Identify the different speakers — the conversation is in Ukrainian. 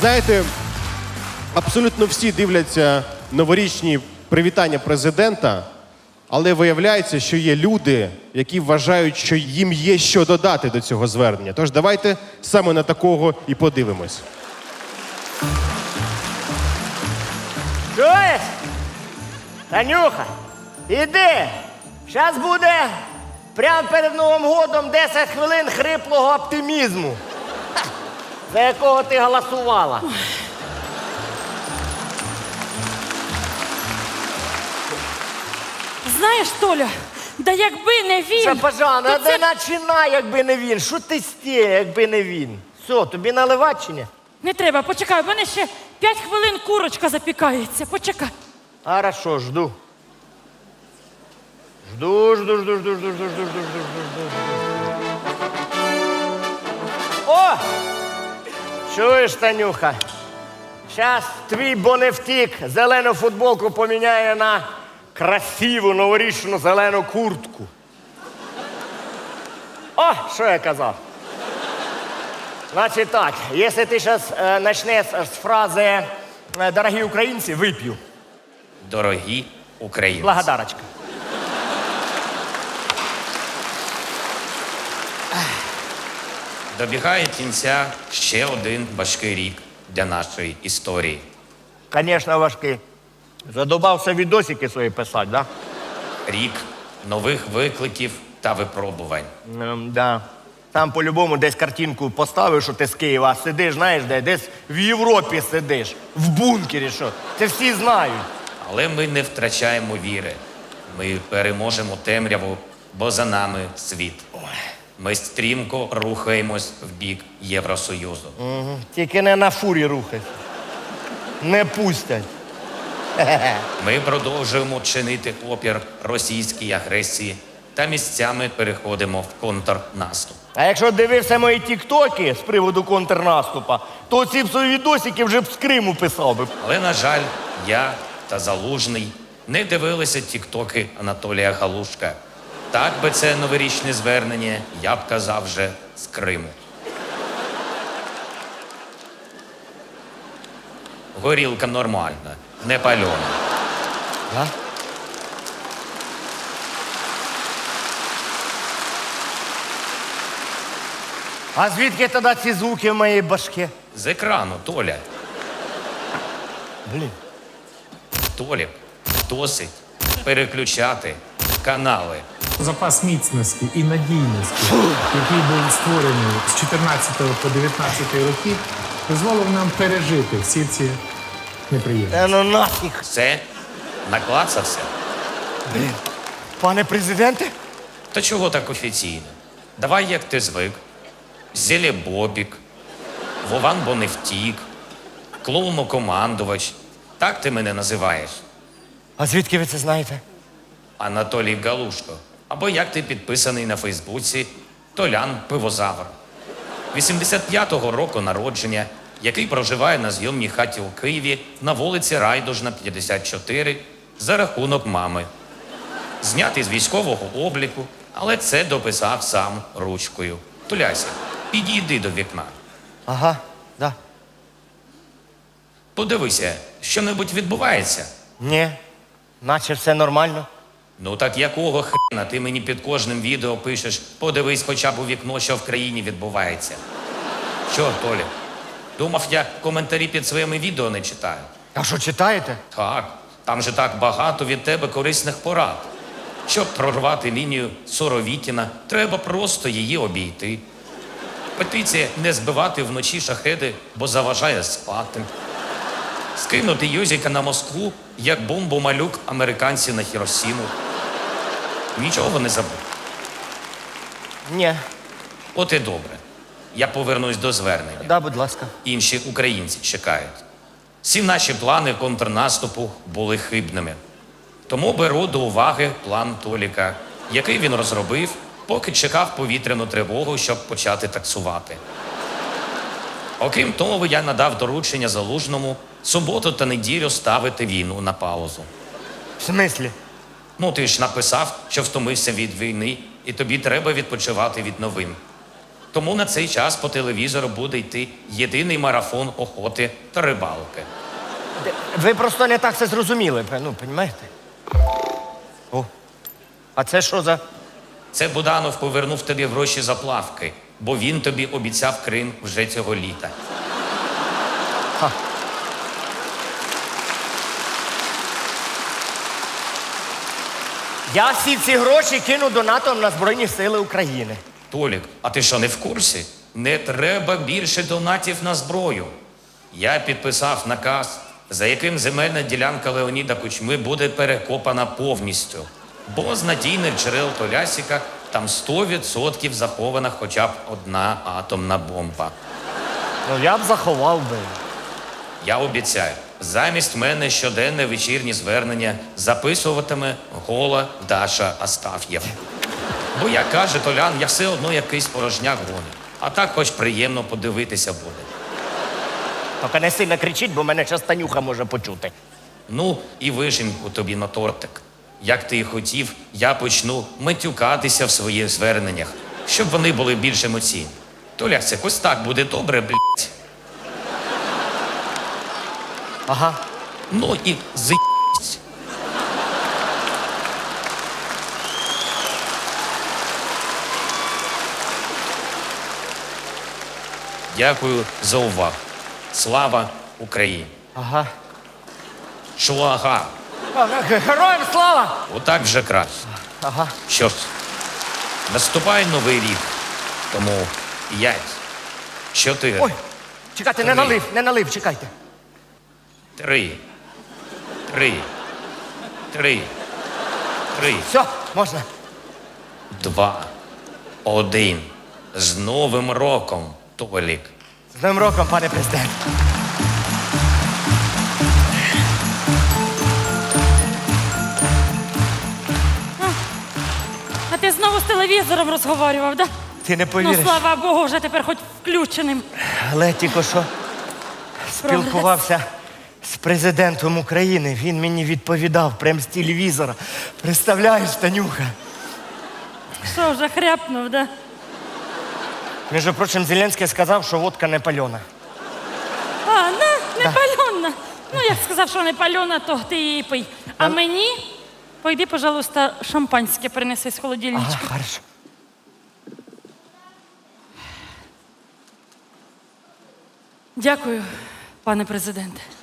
Speaker 1: Знаєте, абсолютно всі дивляться новорічні привітання президента, але виявляється, що є люди, які вважають, що їм є що додати до цього звернення. Тож давайте саме на такого і подивимось.
Speaker 2: Чуєш? Танюха, іди. Зараз буде прямо перед Новим годом 10 хвилин хриплого оптимізму, за якого ти голосувала.
Speaker 3: Знаєш, Толя, да якби не він...
Speaker 2: Що, Пажана,
Speaker 3: то це-
Speaker 2: не починай, якби не він. Що ти стє, якби не він? Все, тобі наливати чи ні?
Speaker 3: Не треба, почекай, у мене ще 5 хвилин курочка запікається. Почекай.
Speaker 2: Хорошо, жду. Жду. О! Чуєш, Танюха? Зараз твій боневтік зелену футболку поміняє на красиву новорічну зелену куртку. О, що я казав? Значить так, якщо ти зараз почнеш з фрази «Дорогі українці», вип'ю.
Speaker 4: Дорогі українці.
Speaker 2: Благодарочка.
Speaker 4: Добігає кінця ще один важкий рік для нашої історії.
Speaker 2: Звісно, важкий. Задобався відосики свої писати, да?
Speaker 4: Рік нових викликів та випробувань.
Speaker 2: Да. Там по-любому десь картинку поставив, що ти з Києва, а сидиш, знаєш, де? Десь в Європі сидиш, в бункері, що. Це всі знають.
Speaker 4: Але ми не втрачаємо віри. Ми переможемо темряву, бо за нами світ. Ми стрімко рухаємось в бік Євросоюзу.
Speaker 2: Тільки не на фурі рухайся. Не пустять.
Speaker 4: Ми продовжуємо чинити опір російській агресії та місцями переходимо в контрнаступ.
Speaker 2: А якщо дивився мої тіктоки з приводу контрнаступа, то ці б свої відосики вже б з Криму писав би.
Speaker 4: Але, на жаль, я та Залужний не дивилися тіктоки Анатолія Галушка. Так би це новорічне звернення я б казав вже з Криму. Горілка нормальна, не пальона.
Speaker 2: Да? А звідки тоді ці звуки в моїй башке?
Speaker 4: З екрану, Толя.
Speaker 2: Блін.
Speaker 4: Толік, досить переключати канали.
Speaker 5: Запас міцності і надійності, який був створений з 14 по 19 роки, дозволив нам пережити всі ці неприємності.
Speaker 2: Ну нафіг.
Speaker 4: Все наклацався.
Speaker 2: Пане президенте?
Speaker 4: Та чого так офіційно? Давай, як ти звик. Зелебобік, Вован Боневтік, клоунокомандувач. Так ти мене називаєш?
Speaker 2: А звідки ви це знаєте?
Speaker 4: Анатолій Галушко. Або як ти підписаний на Фейсбуці Толян Пивозавр. 85-го року народження, який проживає на зйомній хаті у Києві на вулиці Райдужна, 54, за рахунок мами. Знятий з військового обліку, але це дописав сам ручкою. Туляся, підійди до вікна.
Speaker 2: Ага, да.
Speaker 4: Подивися, що-небудь відбувається?
Speaker 2: Ні, наче все нормально.
Speaker 4: Ну так якого хрена ти мені під кожним відео пишеш, подивись хоча б у вікно, що в країні відбувається. Що, Толі? Думав, я коментарі під своїми відео не читаю.
Speaker 2: А що, читаєте?
Speaker 4: Так, там же так багато від тебе корисних порад. Щоб прорвати лінію Соровітіна, треба просто її обійти. Петиція не збивати вночі шахеди, бо заважає спати. Скинути Юзіка на Москву, як бомбу-малюк американців на Хіросіму. Нічого не забув.
Speaker 2: Ні.
Speaker 4: От і добре. Я повернусь до звернення.
Speaker 2: Да, будь ласка.
Speaker 4: Інші українці чекають. Всі наші плани контрнаступу були хибними. Тому беру до уваги план Толіка, який він розробив, поки чекав повітряну тривогу, щоб почати таксувати. Окрім того, я надав доручення Залужному суботу та неділю ставити війну на паузу.
Speaker 2: В смислі?
Speaker 4: Ну, ти ж написав, що втомився від війни, і тобі треба відпочивати від новин. Тому на цей час по телевізору буде йти єдиний марафон охоти та рибалки.
Speaker 2: Ви просто не так це зрозуміли, ну, розумієте? О, а це що за...
Speaker 4: Це Буданов повернув тобі гроші за плавки, бо він тобі обіцяв Крим вже цього літа.
Speaker 2: Я всі ці гроші кину донатом на Збройні Сили України.
Speaker 4: Толік, а ти що, не в курсі? Не треба більше донатів на зброю. Я підписав наказ, за яким земельна ділянка Леоніда Кучми буде перекопана повністю. Бо з надійних джерел Толясіка там 100% захована хоча б одна атомна бомба.
Speaker 2: Ну, я б заховав би.
Speaker 4: Я обіцяю, замість мене щоденне вечірнє звернення записуватиме гола Даша Астаф'єв. Бо, як каже Толян, я все одно якийсь порожняк гоню. А так хоч приємно подивитися буде.
Speaker 2: Тільки не сильно кричіть, бо мене зараз Танюха може почути.
Speaker 4: Ну, і вишеньку тобі на тортик. Як ти і хотів, я почну матюкатися в своїх зверненнях, щоб вони були більш емоційні. Толя, це ось так буде добре, блядь.
Speaker 2: Ага.
Speaker 4: Ну і з***сь. Дякую за увагу. Слава Україні!
Speaker 2: Ага.
Speaker 4: Шуага!
Speaker 2: Героям слава!
Speaker 4: Отак вже краще.
Speaker 2: Ага.
Speaker 4: Що ж, наступає новий рік. Тому 5, 4,
Speaker 2: Ой, чекайте, не налив, чекайте.
Speaker 4: 3, 3, 3, 3,
Speaker 2: Все, можна.
Speaker 4: 2, 1. З Новим роком, Толік.
Speaker 2: З Новим роком, пане президент.
Speaker 3: А ти знову з телевізором розговорював, да?
Speaker 2: Ти не
Speaker 3: Ну,
Speaker 2: повіриш.
Speaker 3: слава Богу, вже тепер хоч включеним.
Speaker 2: Але тільки що спілкувався з президентом України. Він мені відповідав прямо з телевізора. Представляєш, Танюха?
Speaker 3: Що, вже хряпнув, да?
Speaker 2: Між прочим, Зеленський сказав, що водка не пальона.
Speaker 3: А, не пальона. Ну, як сказав, що не пальона, то ти її пий. А мені, пойди, пожалуйста, шампанське принеси з холодильничка.
Speaker 2: Ага, хорошо.
Speaker 3: Дякую, пане президенте.